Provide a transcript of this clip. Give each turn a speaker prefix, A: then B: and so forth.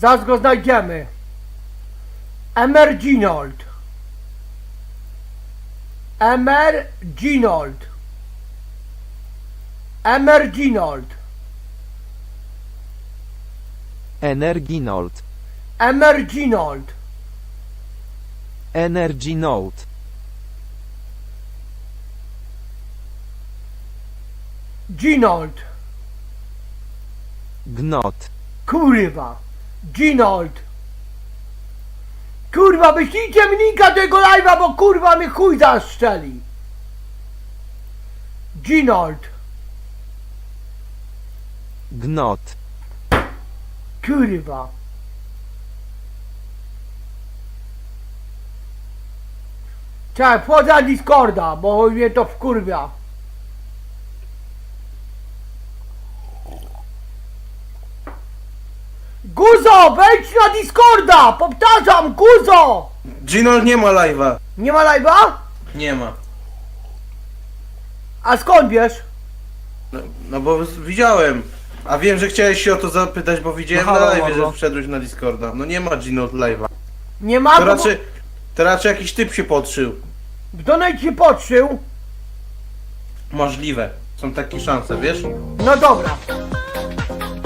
A: Zaraz go znajdziemy. Emerginold. Emerginold. Emerginold.
B: Energinold.
A: Emerginold.
B: Energy Note.
A: Ginold.
B: Gnot.
A: Kurwa. Ginold. Kurwa, wyślijcie mi linka tego live'a, bo kurwa mnie chuj zastrzeli. Ginold.
B: Gnot.
A: Kurwa. Czekaj, wchodzę na Discorda, bo mnie to wkurwia. Guzo, wejdź na Discorda! Powtarzam, Guzo!
C: Ginol nie ma live'a.
A: Nie ma live'a?
C: Nie ma.
A: A skąd wiesz?
C: No bo widziałem. A wiem, że chciałeś się o to zapytać, bo widziałem
B: No
C: na
B: halo,
C: live,
B: halo.
C: że wszedłeś na Discorda. No nie ma Ginol live'a.
A: Nie ma,
C: To
A: bo
C: raczej jakiś typ się podszył.
A: w donate się podszył.
C: Możliwe. Są takie szanse, wiesz?
A: No dobra.